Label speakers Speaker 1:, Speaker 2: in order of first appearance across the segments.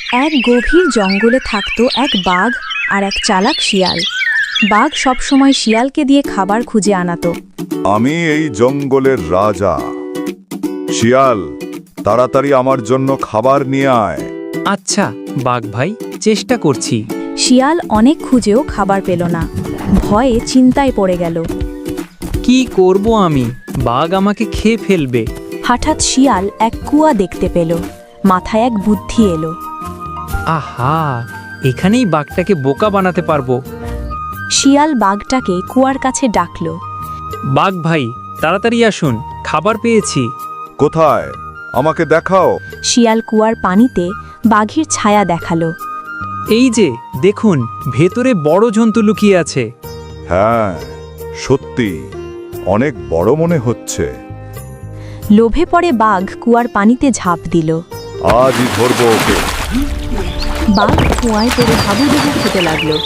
Speaker 1: এক গভীর জঙ্গলে থাকত এক বাঘ আর এক চালাক শিয়াল। বাঘ সবসময় শিয়ালকে দিয়ে খাবার খুঁজে আনাতো।
Speaker 2: আমি এই জঙ্গলের রাজা। শিয়াল, তাড়াতাড়ি আমার জন্য খাবার নিয়ে আয়।
Speaker 3: আচ্ছা বাঘ ভাই, চেষ্টা করছি।
Speaker 1: শিয়াল অনেক খুঁজেও খাবার পেল না। ভয়ে চিন্তায় পড়ে গেল।
Speaker 3: কি করব আমি? বাঘ আমাকে খেয়ে ফেলবে।
Speaker 1: হঠাৎ শিয়াল এক কুয়া দেখতে পেল। মাথায় এক বুদ্ধি এলো।
Speaker 3: আহা, এখানেই বাঘটাকে বোকা বানাতে পারবো।
Speaker 1: শিয়াল বাঘটাকে কুয়ার কাছে ডাকল।
Speaker 3: বাঘ ভাই, তাড়াতাড়ি আসুন, খাবার পেয়েছি।
Speaker 2: কোথায়? আমাকে দেখাও।
Speaker 1: শিয়াল কুয়ার পানিতে বাঘের ছায়া দেখালো।
Speaker 3: এই যে দেখুন, ভেতরে বড় জন্তু লুকিয়ে আছে।
Speaker 2: হ্যাঁ, সত্যি অনেক বড় মনে হচ্ছে।
Speaker 1: লোভে পড়ে বাঘ কুয়ার পানিতে ঝাঁপ দিল।
Speaker 2: আজই ধরবো ওকে।
Speaker 1: বাঘ কুয়ায় পড়ে হাবুডুবু খেতে লাগলো।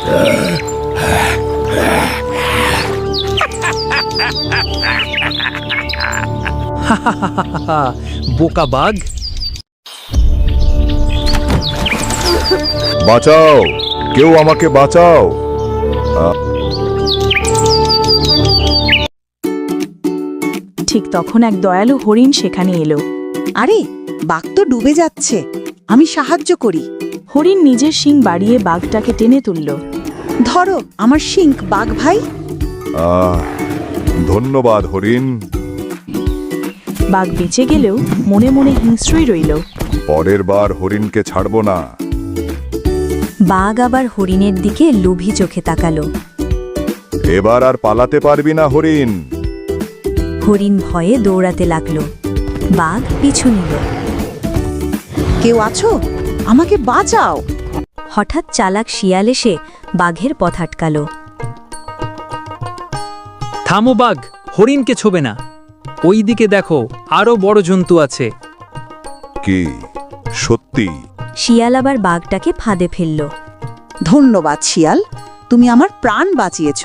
Speaker 3: বোকা বাঘ।
Speaker 2: বাঁচাও, কেউ আমাকে বাঁচাও।
Speaker 1: ঠিক তখন এক দয়ালু হরিণ সেখানে এলো।
Speaker 4: আরে, বাঘ তো ডুবে যাচ্ছে, আমি সাহায্য করি।
Speaker 1: হরিণ নিজের শিং বাড়িয়ে বাঘটাকে টেনে তুলল।
Speaker 4: ধরো আমার শিং, বাঘ ভাই।
Speaker 2: ধন্যবাদ হরিণ।
Speaker 1: বাঘ বেঁচে গেলেও মনে মনে হিংস্রই রইল।
Speaker 2: পরের বার হরিণকে ছাড়বো না।
Speaker 1: বাঘ আবার হরিণের দিকে লোভী চোখে তাকালো।
Speaker 2: এবার আর পালাতে পারবি না হরিণ।
Speaker 1: হরিণ ভয়ে দৌড়াতে লাগলো। বাঘ পিছু নিল।
Speaker 4: কেউ আছো? আমাকে বাঁচাও।
Speaker 1: হঠাৎ চালাক শিয়াল এসে বাঘের পথ আটকালো।
Speaker 3: থামো বাঘ, হরিণকে ছোবে না। ওই দিকে দেখো, আরো বড় জন্তু আছে।
Speaker 2: কি সত্যি?
Speaker 1: শিয়াল আবার বাঘটাকে ফাঁদে ফেলল।
Speaker 4: ধন্যবাদ শিয়াল, তুমি আমার প্রাণ বাঁচিয়েছ।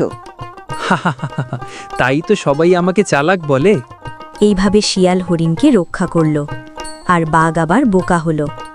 Speaker 3: তাই তো সবাই আমাকে চালাক বলে।
Speaker 1: এইভাবে শিয়াল হরিণকে রক্ষা করল। আর বাঘ আবার বোকা হলো।